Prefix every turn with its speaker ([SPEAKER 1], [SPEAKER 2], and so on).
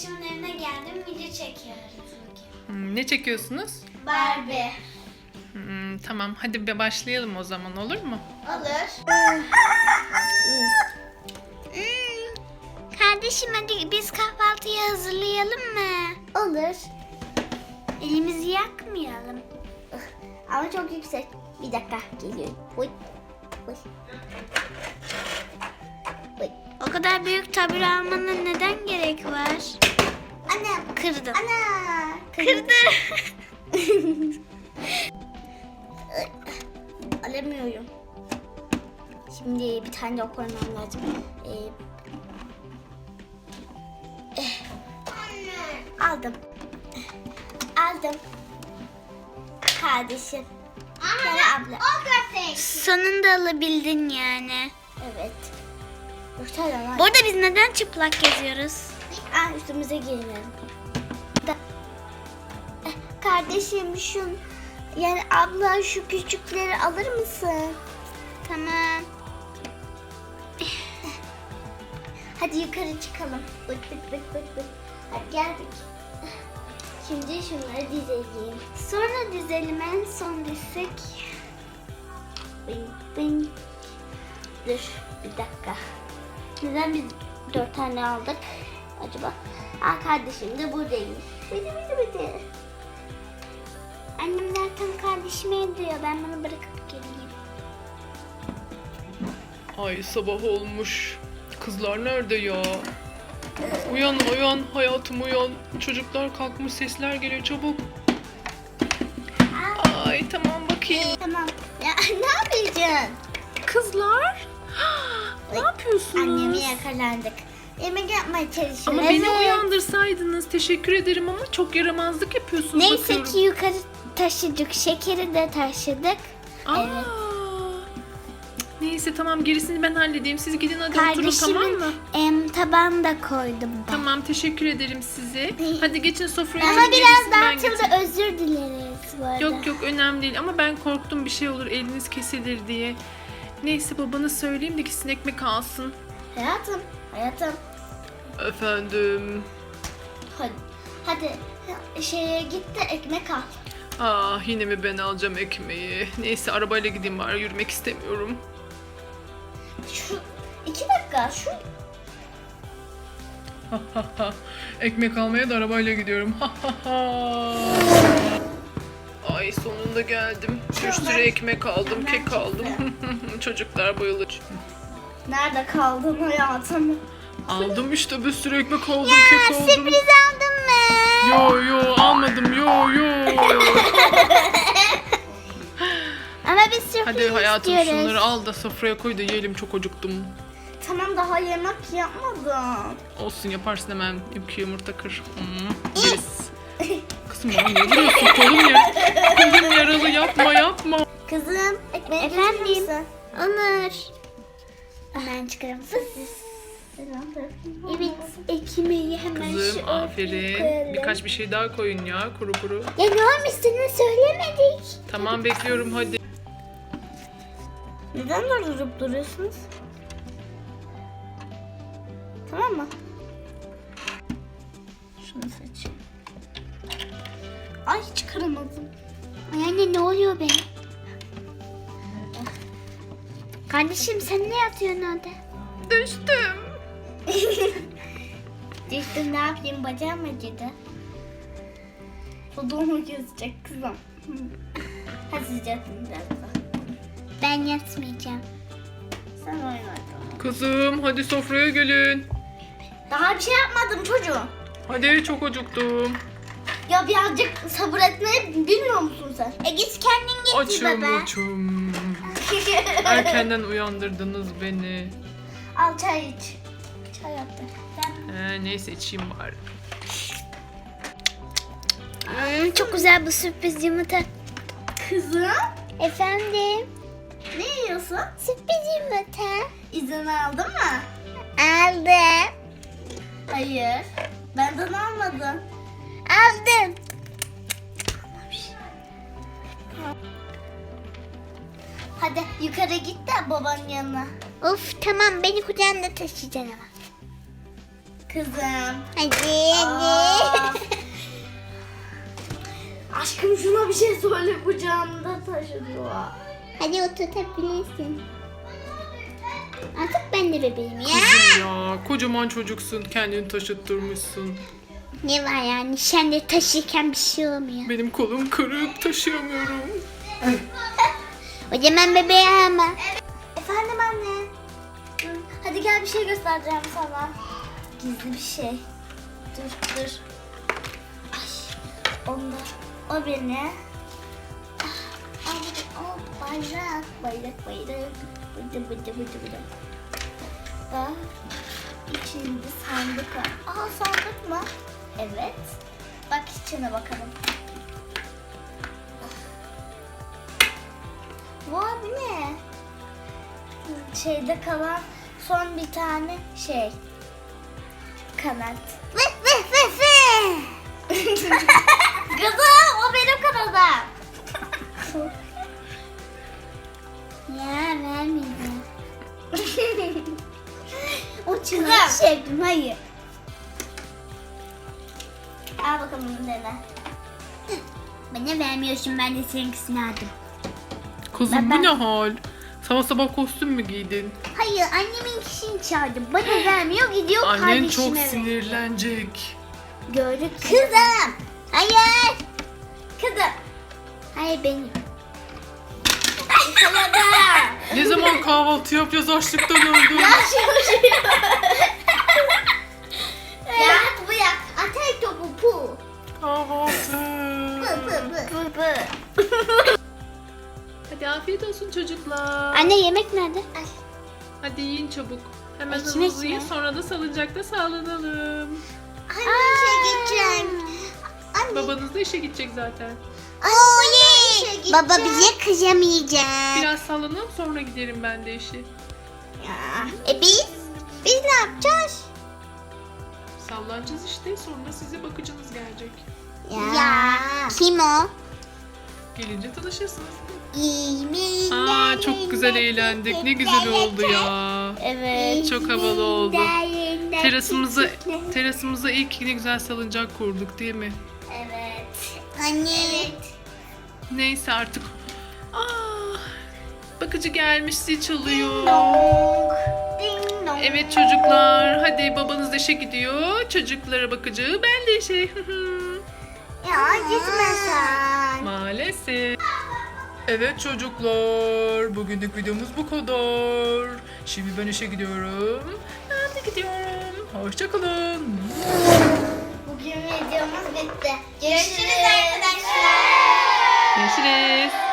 [SPEAKER 1] kardeşimin evine geldim. Video çekiyoruz bugün.
[SPEAKER 2] Ne çekiyorsunuz?
[SPEAKER 1] Barbie.
[SPEAKER 2] Tamam, hadi bir başlayalım o zaman, olur mu?
[SPEAKER 1] Olur. Kardeşim hadi biz kahvaltıyı hazırlayalım mı?
[SPEAKER 3] Olur.
[SPEAKER 1] Elimizi yakmayalım.
[SPEAKER 3] Ama çok yüksek. Bir dakika geliyor. Oy. Oy. Oy.
[SPEAKER 1] O kadar büyük tabure almana neden gerek var?
[SPEAKER 3] Anam.
[SPEAKER 1] Kırdım.
[SPEAKER 3] Ana.
[SPEAKER 1] Kırdı.
[SPEAKER 3] Alamıyorum. Şimdi bir tane daha koymam lazım. Aldım. Aldım. Kardeşim. Yani abla.
[SPEAKER 1] Sonunda alabildin yani.
[SPEAKER 3] Evet. Dört tane var.
[SPEAKER 1] Bu arada biz neden çıplak geziyoruz?
[SPEAKER 3] Üstümüze giyinelim. Kardeşim yani abla şu küçükleri alır mısın?
[SPEAKER 1] Tamam.
[SPEAKER 3] Hadi yukarı çıkalım. Bıt bıt bıt bıt bıt. Hadi geldik. Şimdi şunları dizeyim.
[SPEAKER 1] Sonra dizelim, en son dizsek.
[SPEAKER 3] Bing bing. Dur bir dakika. Neden biz 4 tane aldık acaba? Kardeşim de buradaymış. Bidi.
[SPEAKER 1] Annem zaten kardeşime diyor. Ben bunu bırakıp geleyim.
[SPEAKER 2] Ay, sabah olmuş. Kızlar nerede ya? Uyan hayatım, uyan. Çocuklar kalkmış, sesler geliyor, çabuk. Ay tamam, bakayım.
[SPEAKER 3] Tamam. Ya ne yapacaksın?
[SPEAKER 2] Kızlar, ne yapıyorsunuz?
[SPEAKER 3] Annemi yakalandık. Yemek yapmaya çalışıyoruz.
[SPEAKER 2] Ama beni uyandırsaydınız, teşekkür ederim, ama çok yaramazlık yapıyorsunuz.
[SPEAKER 3] Neyse
[SPEAKER 2] bakıyorum.
[SPEAKER 3] ki yukarı taşıdık. Şekeri de taşıdık.
[SPEAKER 2] Aa,
[SPEAKER 3] Evet.
[SPEAKER 2] Neyse tamam, gerisini ben halledeyim. Siz gidin hadi oturun, tamam mı?
[SPEAKER 3] Tabağını da koydum ben.
[SPEAKER 2] Tamam, teşekkür ederim size. Hadi geçin sofraya.
[SPEAKER 3] Ama
[SPEAKER 2] oturun,
[SPEAKER 3] biraz
[SPEAKER 2] gerisini ben
[SPEAKER 3] dağıtıldı.
[SPEAKER 2] getireyim.
[SPEAKER 3] Özür dileriz bu arada.
[SPEAKER 2] Yok önemli değil, ama ben korktum bir şey olur, eliniz kesilir diye. Neyse, babana söyleyeyim de gitsin ekmek alsın.
[SPEAKER 3] Hayatım.
[SPEAKER 2] Efendim.
[SPEAKER 3] Hadi şeye git de ekmek al.
[SPEAKER 2] Yine mi ben alacağım ekmeği? Neyse, arabayla gideyim bari, yürümek istemiyorum.
[SPEAKER 3] Şu 2 dakika şu.
[SPEAKER 2] Ekmek almaya da arabayla gidiyorum. Ay, sonunda geldim. Bir sürü ekmek aldım, kek aldım. Çocuklar bayılır.
[SPEAKER 3] Nerede kaldın hayatım?
[SPEAKER 2] Aldım işte, bir sürü ekmek aldım, kek aldım.
[SPEAKER 3] Sürpriz aldın mı?
[SPEAKER 2] Yo almadım, yo.
[SPEAKER 3] Ama biz sürpriz
[SPEAKER 2] Hadi hayatım,
[SPEAKER 3] istiyoruz.
[SPEAKER 2] şunları al da sofraya koy da yiyelim, çok acıktım.
[SPEAKER 3] Tamam, daha yemek yapmadım.
[SPEAKER 2] Olsun, yaparsın hemen, 2 yumurta kır. Yeriz. Kızım bana ne vuruyorsun, kolum yaralı, yapma.
[SPEAKER 3] Kızım, ekmeği
[SPEAKER 1] Efendim?
[SPEAKER 3] getirir misin?
[SPEAKER 1] Onur.
[SPEAKER 3] Hemen çıkarım.
[SPEAKER 1] Evet, ekmeği hemen
[SPEAKER 2] Kızım
[SPEAKER 1] şu ortaya
[SPEAKER 2] aferin.
[SPEAKER 1] koyalım.
[SPEAKER 2] Birkaç bir şey daha koyun ya, kuru.
[SPEAKER 3] Ya ne olmuş, sana söylemedik.
[SPEAKER 2] Tamam, bekliyorum hadi.
[SPEAKER 3] Neden durup duruyorsunuz? Tamam mı? Şunu seçeyim. Ay, çıkaramadım.
[SPEAKER 1] Ay anne, ne oluyor be? Kardeşim sen ne yapıyorsun orada?
[SPEAKER 2] Düştüm.
[SPEAKER 3] Düştüm, ne yapayım, bacağım acıdı. Fotoğrafı kesecek kızım. Hadi sıcaksın biraz da.
[SPEAKER 1] Ben yatmayacağım.
[SPEAKER 3] Sen oyna bakalım.
[SPEAKER 2] Kızım hadi sofraya gelin.
[SPEAKER 3] Daha bir şey yapmadım çocuğum.
[SPEAKER 2] Hadi, çok acıktım.
[SPEAKER 3] Ya birazcık sabır etmeyi bilmiyor musun sen?
[SPEAKER 1] Git kendin getir baba.
[SPEAKER 2] Açım. Erkenden uyandırdınız beni.
[SPEAKER 3] Al çay iç. Çay yaptım.
[SPEAKER 2] Neyse, içeyim bari.
[SPEAKER 1] Çok güzel bu sürpriz yumurta.
[SPEAKER 3] Kızım,
[SPEAKER 1] Efendim?
[SPEAKER 3] ne yiyorsun?
[SPEAKER 1] Sürpriz yumurta.
[SPEAKER 3] İzin aldın mı?
[SPEAKER 1] Aldım.
[SPEAKER 3] Hayır. Benden almadın.
[SPEAKER 1] Aldım.
[SPEAKER 3] Hadi yukarı git de babanın yanına.
[SPEAKER 1] Of tamam, beni kucağında taşıyacaksın ama.
[SPEAKER 3] Kızım.
[SPEAKER 1] Hadi
[SPEAKER 3] Aa. Aşkım şuna bir şey söyle, kucağımda taşıyor.
[SPEAKER 1] Hadi oturtabilirsin. Artık ben de bebeğim ya.
[SPEAKER 2] Kızım ya kocaman çocuksun kendini taşıttırmışsın.
[SPEAKER 1] Ne var yani sen de taşırken bir şey olmuyor.
[SPEAKER 2] Benim kolum kırık taşıyamıyorum.
[SPEAKER 1] O zaman bebeği ama.
[SPEAKER 3] Efendim anne. Hadi gel, bir şey göstereceğim sana. Gizli bir şey. Dur. Ay, onda. O beni. O bayrak. Bıdı. Da içinde sandık var. Aa, sandık mı? Evet. Bak içine bakalım. Vay, bu ne? Şeyde kalan son bir tane şey. Kanat. Kızım, o benim kanadım.
[SPEAKER 1] Ya vermeyeceğim.
[SPEAKER 3] O
[SPEAKER 1] Çınar
[SPEAKER 3] sevdim, hayır. Al bakalım bunu dene.
[SPEAKER 1] Bana vermiyorsun, ben de seninkisini aldım.
[SPEAKER 2] Kızım bu ne hal? Sabah sabah kostüm mü giydin?
[SPEAKER 1] Hayır, annemin kişini çağırdım. Bana vermiyor, gidiyor
[SPEAKER 2] Annen
[SPEAKER 1] kardeşime
[SPEAKER 2] çok
[SPEAKER 1] veriyor.
[SPEAKER 2] sinirlenecek.
[SPEAKER 1] Gördük. Kızım. Hayır.
[SPEAKER 3] Kızım.
[SPEAKER 1] Hayır benim.
[SPEAKER 2] Ne zaman kahvaltı yapacağız açlıktan öldüm.
[SPEAKER 3] Ya bu ya. Atak topu pu.
[SPEAKER 2] Kahvaltı.
[SPEAKER 3] Pı.
[SPEAKER 2] Hadi afiyet olsun çocuklar.
[SPEAKER 1] Anne yemek nerede?
[SPEAKER 2] Hadi yiyin çabuk. Hemen
[SPEAKER 1] Ekmek
[SPEAKER 2] hızlı
[SPEAKER 1] mi?
[SPEAKER 2] yiyin sonra da salıncakta sağlanalım.
[SPEAKER 3] Anne işe gideceğim. Anne.
[SPEAKER 2] Babanız da işe gidecek zaten.
[SPEAKER 1] Oley. Baba bize kızamayacak.
[SPEAKER 2] Biraz sallanalım sonra giderim ben de işe.
[SPEAKER 1] Biz ne yapacağız?
[SPEAKER 2] Sallanacağız işte sonra size bakıcınız gelecek.
[SPEAKER 1] Ya. Kim o?
[SPEAKER 2] Gelince tanışırsınız.
[SPEAKER 1] İyi
[SPEAKER 2] Çok güzel eğlendik. Ne güzel oldu ya.
[SPEAKER 3] Evet.
[SPEAKER 2] Çok havalı oldu. Terasımıza ilk ne güzel salıncak kurduk değil mi?
[SPEAKER 3] Evet.
[SPEAKER 1] Anne.
[SPEAKER 2] Neyse artık. Bakıcı gelmiş zil çalıyor.
[SPEAKER 3] Ding dong.
[SPEAKER 2] Evet çocuklar hadi babanız da işe gidiyor. Çocuklara bakıcı ben de işe.
[SPEAKER 3] Ya gitme sen.
[SPEAKER 2] Maalesef. Evet çocuklar bugünlük videomuz bu kadar. Şimdi ben işe gidiyorum. Ben de gidiyorum. Hoşçakalın.
[SPEAKER 3] Bugün videomuz bitti. Görüşürüz arkadaşlar.
[SPEAKER 2] Görüşürüz.